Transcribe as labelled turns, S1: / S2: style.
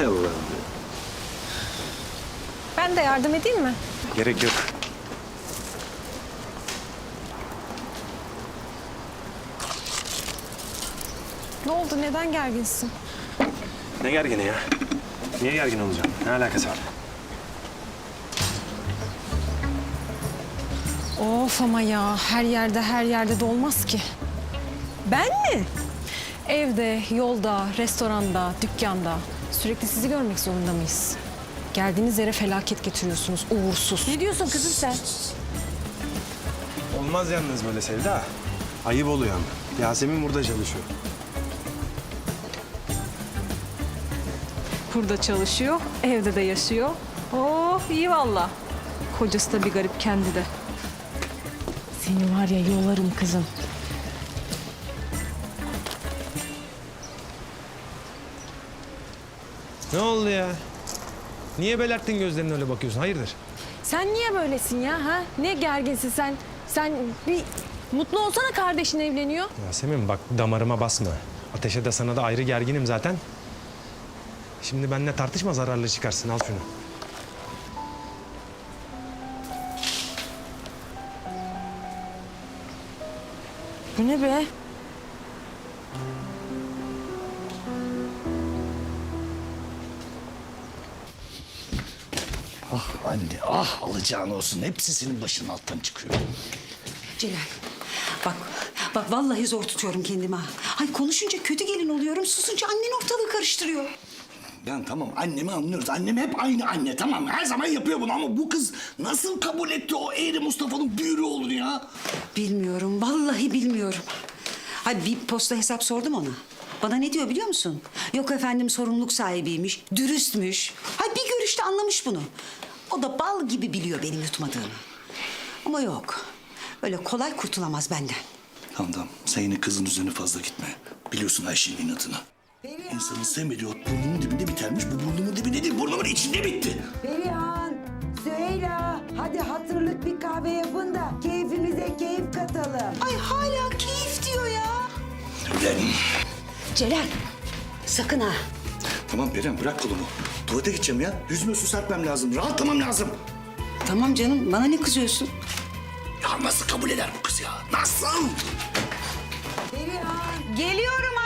S1: Hay Allah'ım.
S2: Ben de yardım edeyim mi?
S1: Gerek yok.
S2: Ne oldu? Neden gerginsin?
S1: Ne gergini ya? Niye gergin olacağım? Ne alakası var?
S2: Of ama ya her yerde de olmaz ki. Ben mi? Evde, yolda, restoranda, dükkanda sürekli sizi görmek zorunda mıyız? Geldiğiniz yere felaket getiriyorsunuz, uğursuz. Ne diyorsun kızım sen?
S1: Olmaz yalnız böyle Sevda. Ayıp oluyor ama. Yasemin burada çalışıyor.
S2: Burada çalışıyor, evde de yaşıyor. Oh iyi valla. Kocası da bir garip kendi de. Seni var ya yolarım kızım.
S3: Ne oldu ya? Niye belerttin gözlerine öyle bakıyorsun? Hayırdır?
S2: Sen niye böylesin ya ha? Ne gerginsin sen? Sen bir mutlu olsana kardeşin evleniyor.
S3: Yasemin bak damarıma basma. Ateşe de sana da ayrı gerginim zaten. Şimdi benimle tartışma zararlı çıkarsın. Al şunu.
S2: Bu ne be?
S4: Ah anne, ah alacağın olsun. Hepsi senin başının alttan çıkıyor.
S5: Celal, bak vallahi zor tutuyorum kendimi ha. Ay konuşunca kötü gelin oluyorum, susunca annen ortalığı karıştırıyor.
S4: Yani tamam annemi anlıyoruz. Annem hep aynı anne tamam. Her zaman yapıyor bunu ama bu kız nasıl kabul etti o eğri Mustafa'nın büyürü olur ya?
S5: Bilmiyorum, vallahi bilmiyorum. Hadi bir posta hesap sordum ona. Bana ne diyor biliyor musun? Yok efendim sorumluluk sahibiymiş, dürüstmüş. Hay bir görüşte anlamış bunu. O da bal gibi biliyor benim yutmadığımı. Ama yok, öyle kolay kurtulamaz benden.
S4: Tamam sen yine kızın üzerine fazla gitme. Biliyorsun Ayşe'nin inadını. İnsanın sevmediği ot burnunun dibinde bitermiş. Bu burnumun dibinde değil burnumun içinde bitti.
S6: Perihan, Süheyla, hadi hatırlık bir kahve yapın da keyfimize keyif katalım.
S5: Ay hala keyif diyor ya.
S4: Ulan.
S5: Celal, sakın ha.
S4: Tamam Perihan bırak kolumu. Tuvalete gideceğim ya. Yüzüme su serpmem lazım. Rahatlamam lazım.
S5: Tamam canım, bana ne kızıyorsun?
S4: Ya nasıl kabul eder bu kız ya? Nasıl?
S6: Perihan,
S5: Geliyorum